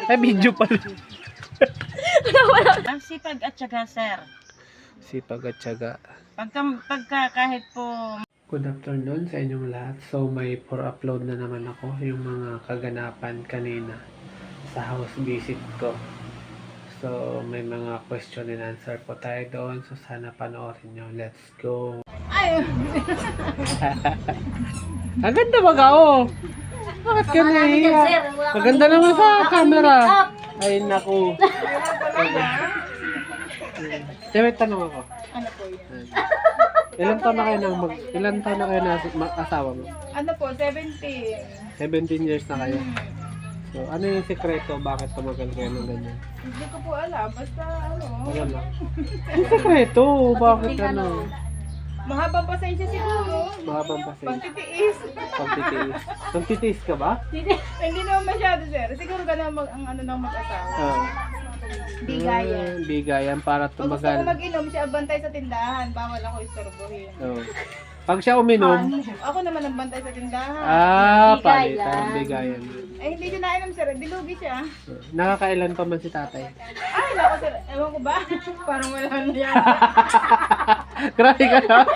Ay, video pala. Ang sipag at syaga, sir. Sipag at syaga. Pagka kahit po Good afternoon sa inyong lahat. So, may for upload na naman ako yung mga kaganapan kanina sa house visit ko. So, may mga question and answer po tayo doon. So, sana panoorin nyo. Let's go. ay, Ang ganda ba ka, oh? Bakit ka nahiya? Maganda naman sa camera. Ay, naku. May tanong ako. ano po yun? Ilan taon na kayo na asawa mo? Ano po, 17. 17 years na kayo. So, ano yung sekreto? Bakit tumagal kayo ng ganyan? Hindi ko po alam, basta ano. Wala lang. Yung sekreto, bakit ano? Mahabang pasensya siguro. Mahabang pasensya. Pagtitiis. Pagtitiis. Pagtitiis ka ba? Hindi naman masyado, sir. Siguro ganun ang ano ng mag-asawa. Bigayan. Bigayan para Pag gusto ko tumagal. mag-inom, siya bantay sa tindahan. Bawal ako istorbohin. Oh. Pag siya uminom, Ako naman ang bantay sa tindahan. palitan. Bigayan. Eh, hindi siya nainom, sir. Dilugi siya. Nakakailan pa man si tatay? Ay, naku, sir. Ewan ko ba? Parang wala na yan. Grabe ka na.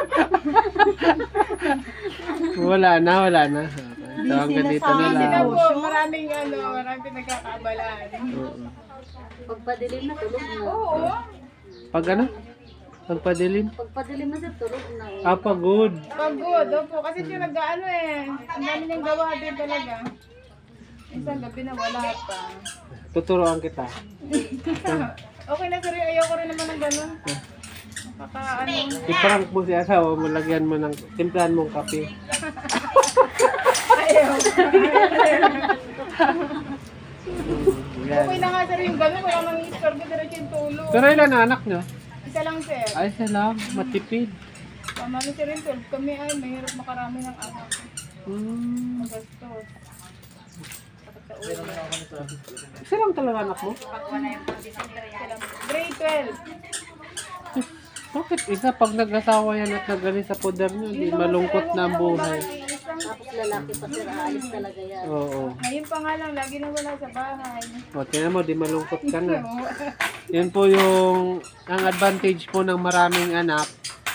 wala na. Okay. So, hanggang dito na Kasi na lang. po, maraming pinagkakabalaan. Oo. Pagpadilim na, tulog na. Oo. Pag ano? Pagpadilim? Pagpadilim na, sir, tulog na. Pagod. Pagod, opo. Kasi siya nag-ano eh. Ang dami niyang gawa din talaga. Isang gabi na wala pa. Tuturuan kita. Okay na, sir. Ayoko rin naman ng gano'n. Ano. I-prank mo si asawa mo, lagyan mo ng, timplahan mong kape. Ayaw. Yan. Okay na nga, sir, yung gano'n. Wala nang istorbo, diretso yung tulog. Pero ilan na anak nyo? Isa lang, sir. Ay, salam. Matipid. Tama na, sir, yung 12. Kami ay mahirap makarami ng anak. Magastos. Isa lang talaga anak mo? Grade 12. Bakit isa pag nag-asawa yan at nagaling sa poder nyo, di malungkot na ang buhay. Tapos lalaki pa, sir, aalis talaga yan. Oo. Ngayon pa nga lang, lagi na wala sa bahay. O, tingnan mo, di malungkot ka na. Yan po yung, ang advantage po ng maraming anak.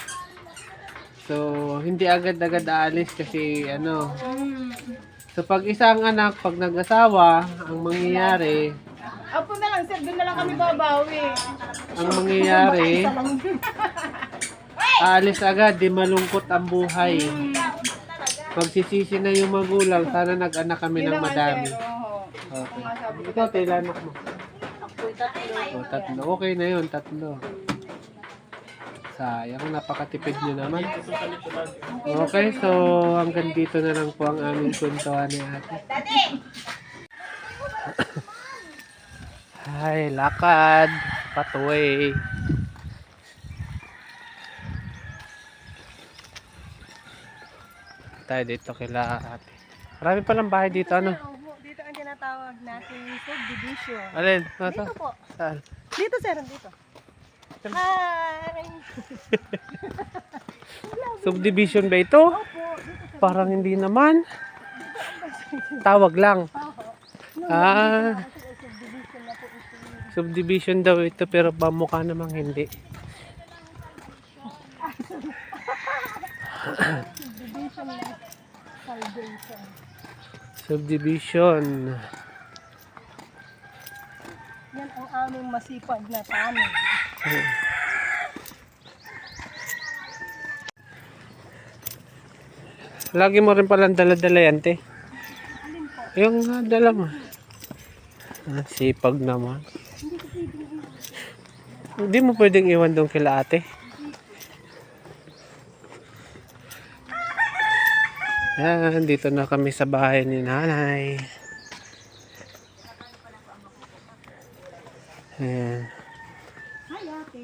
So, hindi agad-agad aalis kasi, ano. So, pag isang anak, pag nag-asawa, ang mangyayari, Apo na lang, sir. Doon na lang kami babawi. ang mangyayari, aalis agad, di malungkot ang buhay. Pagsisisi na yung magulang, sana nag-anak kami ng madami. Okay. Ikaw, tayo anak mo. Ako'y tatlo. O, tatlo. Okay na yun, tatlo. Sayang, napakatipid nyo naman. Okay, so hanggang dito na lang po ang aming kwentuhan ni ate. Ay, lakad. Pathway. Tayo dito kila ate. Marami palang bahay dito, ano? Dito ang tinatawag natin subdivision. Alin? Dito po. Saan? Dito, sir. Dito. Hi! Subdivision ba ito? Parang hindi naman. Tawag lang. Ah. Subdivision daw ito pero pamukha namang hindi. Subdivision. Yan ang aming masipag na tanim. Lagi mo rin palang dala-dala yan, te. Yung dala mo. Sipag naman. Hindi mo pwedeng iwan doon kila ate. Yan, dito na kami sa bahay ni nanay. Ayan. Hi, ate.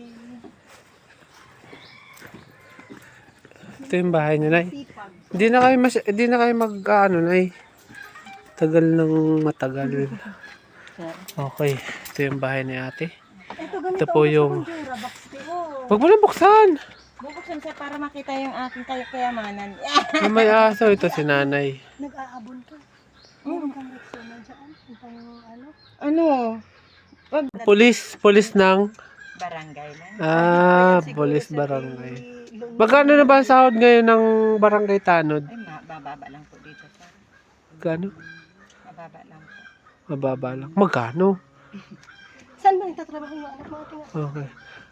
Ito yung bahay niya, nay. Sipag. Hindi na kayo mag-ano, nay. Tagal ng matagal. Okay, ito yung bahay ni ate. Ito po yung... Huwag mo lang buksan! Bubuksan siya para makita yung aking kayamanan. May aso ito si nanay. Nag-aabon ka. Ano? Pulis ng Barangay lang. pulis barangay. Magkano na ba ang sahod ngayon ng barangay Tanod? Ay, mababa lang po dito, sir. Magkano? Mababa lang po. Mababa lang. Magkano? Saan ba nagtatrabaho yung anak mo? Okay.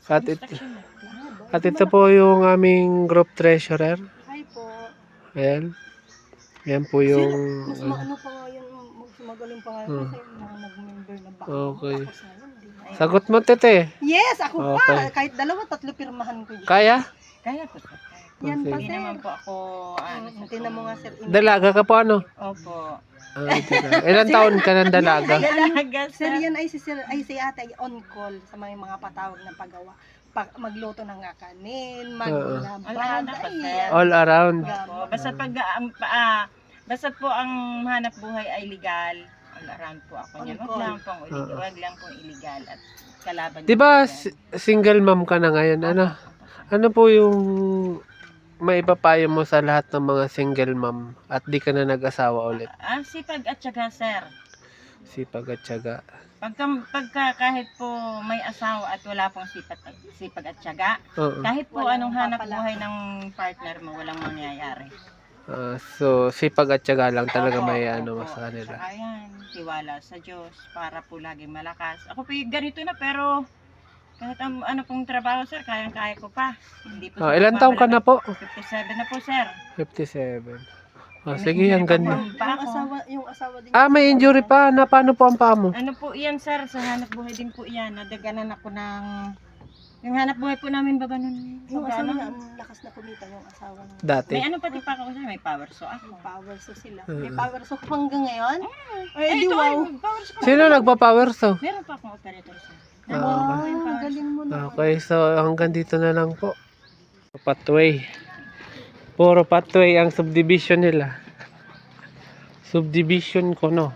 At ito po yung aming group treasurer. Hi po. Ayan. Ayan po yung... Mas maano pa nga yun, magaling pa nga yun kasi yung mga nag-member na baka. Okay. Ako sa yun, di ba? Sagot mo, tete. Yes, ako Okay. pa. Kahit 2-3 pirmahan ko dyan. Kaya? Kaya po, sir. Kaya. Yan pa, Hindi sir. naman po ako, Tingnan mo nga, sir. Dalaga ka po, ano? Opo. Ilan taon ka ng dalaga? Dalaga, Sir, sir. yan ay si ate ay on call sa mga patawag ng paggawa. Magluto ng kanin, maglaba. Wala na po, sir. All around. Opo. Basta po ang hanap buhay ay legal. All around po ako niyan. Wag lang pong illegal at kalaban. Di ba niyo po yan. single mom ka na ngayon? Ano? Opo, sir. Ano po yung maipapayo mo sa lahat ng mga single mom at di ka na nag-asawa ulit? Sipag at syaga, sir. Sipag at tiyaga. Pagka kahit po may asawa at wala pong sipag at syaga, Oo. kahit po Walang anong hanap papala. buhay ng partner mo, walang mangyayari. So, sipag at tiyaga lang talaga Opo, may opo. ano mo sa kanila. Saka yan, tiwala sa Diyos para po laging malakas. Ako po yung ganito na pero kahit ano pong trabaho, sir, kayang-kaya ko pa. Hindi po Ilan taong ka na po? 57 na po, sir. 57. Sige, hanggang... Pa ako. Yung asawa din. May injury pa. Na paano po ang paa mo? Ano po iyan, sir? Sa hanap buhay din po iyan. Nadaganan ako ng... Yung hanap buhay po namin ba ganun? Yung asawa Ano? niya, ang lakas na kumita yung asawa niya. Dati. May ano pati pa ako, sir? May power so ako. Power so sila. Mm. May power so hanggang ngayon? Ay, Ay, di ito, wow. ay, power so. Sino nagpa-power saw? Meron pa akong operator, sir. Wow, galing mo na. Okay, so hanggang dito na lang po. Pathway. Puro pathway ang subdivision nila. Subdivision ko, no?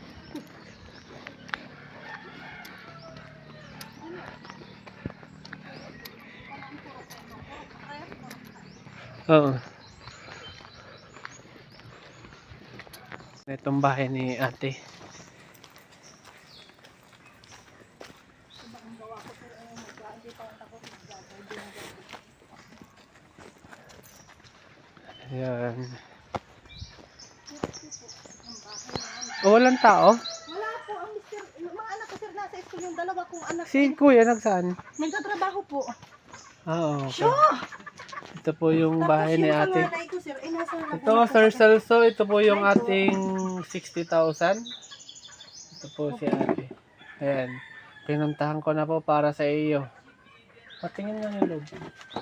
Oo. Itong bahay ni ate. Ayan. Walang tao? Wala po, ang mister, yung mga anak ko sir nasa school, yung dalawa kong anak. Si kuya nagsaan? Nagtatrabaho po. Okay. Ito po yung bahay ni Tapos yung ate. panganay ko sir, ay nasa Ito, Sir Celso, ito po yung ating 60,000. Ito po si ate. Ayan. Pinuntahan ko na po para sa iyo. Patingin lang yung loob.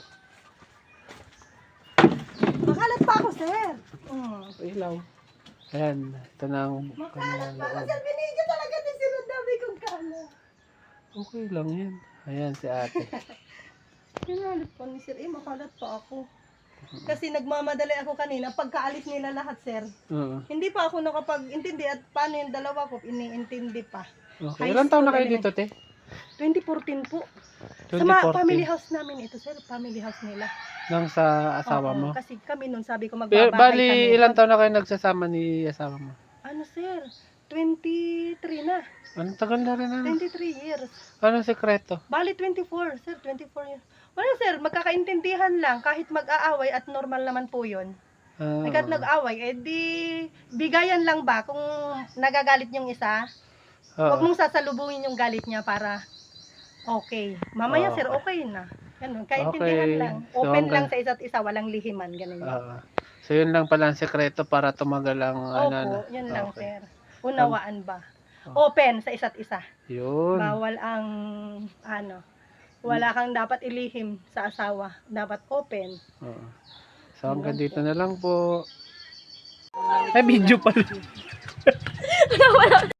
Makalat pa ako sir. Ilaw. Ayan. Ito na ang kanilang loob. Sir, binigyan talaga din sila dami kong kalat. Okay lang yan. Ayan si ate. Pinalit pa ni sir, makalat pa ako. Kasi nagmamadali ako kanina, pagkaalis nila lahat sir. Oo. Hindi pa ako nakapag-intindi at paano yung dalawa ko, iniintindi pa. Okay. Ilan taon na kayo dito, te? 2014 po. Sa 2014. family house namin ito sir, family house nila. Nang sa asawa Oo, mo? Kasi kami nun, sabi ko Pero, magbabahay bali, kami. ilan taon na kayo nagsasama ni asawa mo? Ano sir, 23 na. Anong tagal na rin ano? 23 years. Anong sekreto? Bali 24, sir, 24 years. Wala sir, magkakaintindihan lang kahit mag-aaway at normal naman po 'yon. Kahit nag-aaway, di bigayan lang ba kung nagagalit yung isa? Huwag mong sasalubungin yung galit niya para okay. Mamaya Oo. sir, okay na. Ganun, kaintindihan Okay. lang. So, Open lang hanggang- sa isa't isa, walang lihiman, ganun. So, yun lang pala ang sekreto para tumagal ang Opo, yun lang Okay. sir. Unawaan ba? Open sa isa't isa. Yun. Bawal ang wala kang dapat ilihim sa asawa. Dapat open. Oo. So, hanggang dito na lang po. Ay, video pala.